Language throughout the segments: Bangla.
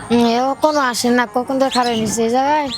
এও কোনো আসে না, কখন তো খারাপ নিচ্ছে এই জায়গায়।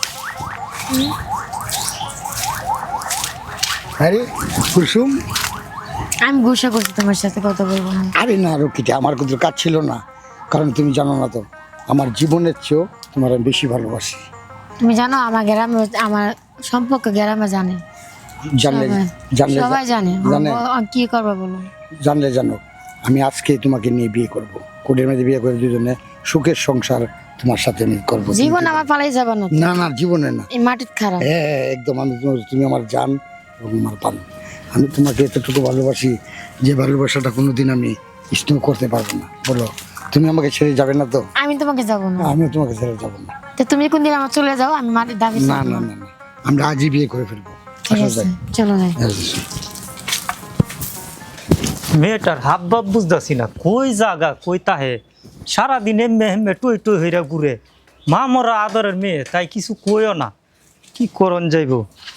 আরে কুসুম, আমি গুসা করছি তোমার সাথে কথা বলবো না। আরে না রকিটা, আমার কিন্তু কাজ ছিল না, কারণ তুমি জানো না তো আমার জীবনের চেয়েও তোমার আমি বেশি ভালোবাসি। তুমি জানো আমার গ্রামে, আমার সম্পর্ক গ্রামে জানে, জানলে সবাই জানলে সবাই জানে। জানে কি করবো বলো? জানলে জানো, আমি আজকে তোমাকে নিয়ে বিয়ে করব, কোটের মধ্যে বিয়ে করে দুজনে সুখের সংসার তোমার সাথে আমি করবো। জীবন আমার পালাই যাবে না তো। না না, জীবনে না। এই মাটির খারাপ। হ্যাঁ একদম, তুমি আমার জান এবং আমার প্রাণ। আমি তোমাকে এতটুকু ভালোবাসি যে ভালোবাসাটা কোনোদিন আমি স্নেহ করতে পারবো না। বলো, তুমি আমাকে ছেড়ে যাবে না তো? আমি তোমাকে যাবো না। আমিও তোমাকে ছেড়ে যাবো না। তো তুমি কোন দিন আমার চলে যাও, আমি মাটির দাবি না না না না, আমরা আজই বিয়ে করে ফেলবো। ঠিক আছে, চলো যাই। মেয়েটার হাব ভাব বুঝতেছি না, কই জাগা কই তাহে সারাদিন এমে হেমে টই টই হইরা ঘুরে। মা মরা আদরের মেয়ে, তাই কিছু কইও না, কি করন যাইব।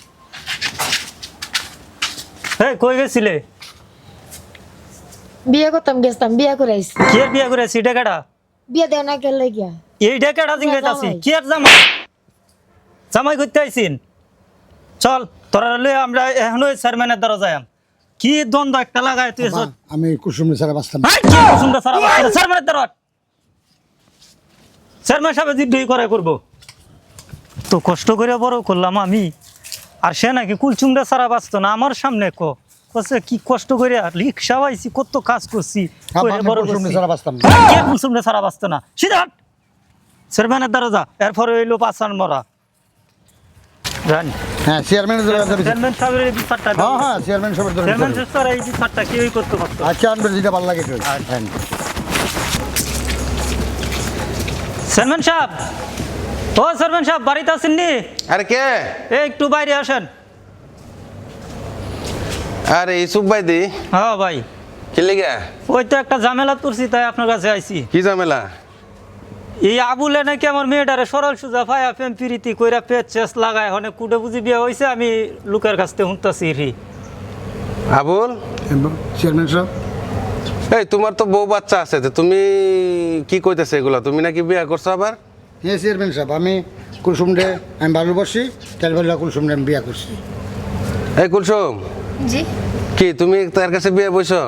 এই কই গেছিলে? বিয়ে করতাম, গেছতাম, বিয়ে করে আইছি। কে বিয়া করেছি? ডেকাটা বিয়ে দেও না কেন লাগিয়া? এই ডেকাটা জিঙ্গাইতাছি। জামাই। কি আর জামাই? জামাই করতে আইছিন? চল তোরা লয়ে আমরা এখনো চেয়ারম্যানের দ্বারা যাই। কি দ্বন্দ্ব একটা লাগায় তুই। বাবা, আমি কুসুমের ছাড়া বাঁচতাম না। চেয়ারম্যানের দ্বারা চেয়ারম্যান সাহেব জিড্ডি করে করবো তো, কষ্ট করে বড় করলাম আমি, আর সে নাকি কুলচুমটা সারা বাঁচতো না আমার সামনে। কছে কি কষ্ট করে রিক্সা পাইছি, কত কাজ করছি, বাবা, করে আমি বড় কুসুমের করছি। ছাড়া বাঁচতাম না। কে কুলচুমটা সারা বাঁচতো না? সিধা হাট। চেয়ারম্যানের দ্বারা যা, এরপরে হইলো পাঁচান মরা। জানি হ্যাঁ, চেয়ারম্যানের ধরে যাবে। চেয়ারম্যান সাহেবের এই বিচারটা হ্যাঁ হ্যাঁ, চেয়ারম্যান সবার ধরে চেয়ারম্যান যাবে। সাহেব এই বিচারটা কেউই করতে পারতো না। আচ্ছা, আনবে যেটা ভালো লাগে। হ্যাঁ চেয়ারম্যান সাহেব, ও চেয়ারম্যান সাহেব বাড়িতে আছেননি? আরে কে? এই একটু বাইরে আসেন। আরে ইসুফ ভাই দি, হ্যাঁ ভাই, কি লেগে? ওই তো একটা ঝামেলা করছি, তাই আপনার কাছে আইছি। কি ঝামেলা? এই আবুলে নাকি আমার মেয়েটারে সরল সুজা ফায়া প্রেম প্রীতি কইরা পেট চেস লাগায়, অনেক কুটে বুঝি বিয়ে হয়েছে। আমি লোকের কাছ থেকে শুনতেছি রি। আবুল, চেয়ারম্যান সাহেব, এই তোমার তো বউ বাচ্চা আছে, তো তুমি কি কইতেছে এগুলা? তুমি নাকি বিয়ে করছো আবার? হ্যাঁ চেয়ারম্যান সাহেব, আমি কুসুমরে আমি ভালোবাসি, তাই বলে কুসুমরে আমি বিয়ে করছি। এই কুলসুম, জি, কি তুমি তার কাছে বিয়ে বইছো?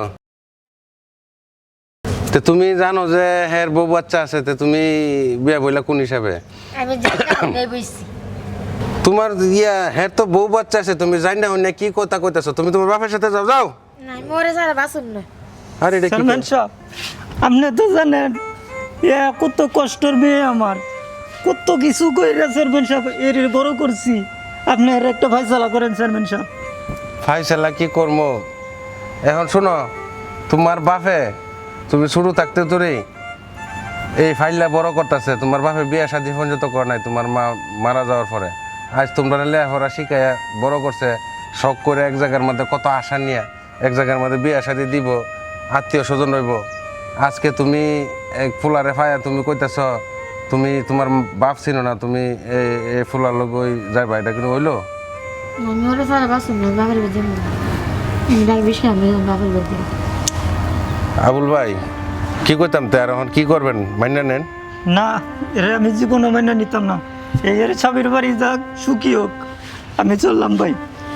তো তুমি জানো যে হ্যাঁ বউ বাচ্চা আছে, তো তুমি বিয়ে বইলা কোন হিসাবে? আমি যাই বইছি। তোমার হ্যাঁ তো বউ বাচ্চা আছে, তুমি জানি না অন্য কি কথা কইতেছো? তুমি তোমার বাপের সাথে যাও যাও। না, মরে যারা বাসুন না। আরে এটা কি? চেয়ারম্যান সাহেব, আপনি তো জানেন এ কত কষ্টের মেয়ে আমার, কত কিছু কইরা চেয়ারম্যান সাহেব এর বড় করছি। আপনি এর একটা ফয়সালা করেন চেয়ারম্যান সাহেব। ফাইসালা কি করবো এখন? শোনো, তোমার বাপে তুমি শুরু থাকতে তোরে এই ফাইলটা বড় করতেছে। তোমার বাপে বিয়ে শাদী পর্যন্ত করে নাই তোমার মা মারা যাওয়ার পরে। আজ তোমরা লেখাপড়া শিখাইয়া বড় করছে, শখ করে এক জায়গার মধ্যে কত আশা নিয়ে এক জায়গার মধ্যে বিয়ে শাদী দিব, আত্মীয় স্বজন রইব। আজকে তুমি এক ফুলারে ফায়া তুমি কইতেছ তুমি তোমার বাপ চিনো না, তুমি এই ফুলার লোক ওই যাইবা, এটা কিন্তু হইলো? আমি ওরে যারা বাসুন না, বাবার বেদে না। ডাক বিষয় আমি বাবার বেদে। আবুল ভাই, কি করতাম তো, আর এখন কি করবেন? মাইনা নেন। না, এর আমি জীবনে মাইনা নিতাম না। এই এর স্বামীর বাড়ি যাক, সুখী হোক, আমি চললাম ভাই।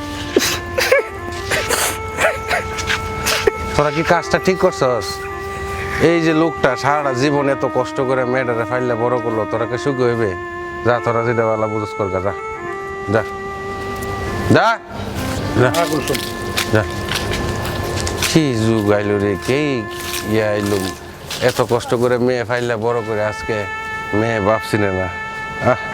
তোরা কি কাজটা ঠিক করছস? এই যে লোকটা সারাটা জীবন এত কষ্ট করে মেয়েটারে ফাইলে বড় করলো, তোরা কি সুখী হইবে? যা, তোরা যেটা বেলা বুঝস কর, যা যা যা যা যা। কি যুগ আইলো রে, কে ইয়ে আইলো, এত কষ্ট করে মেয়ে ফাইলে বড় করে আজকে মেয়ে বাপ চিনে না। আহ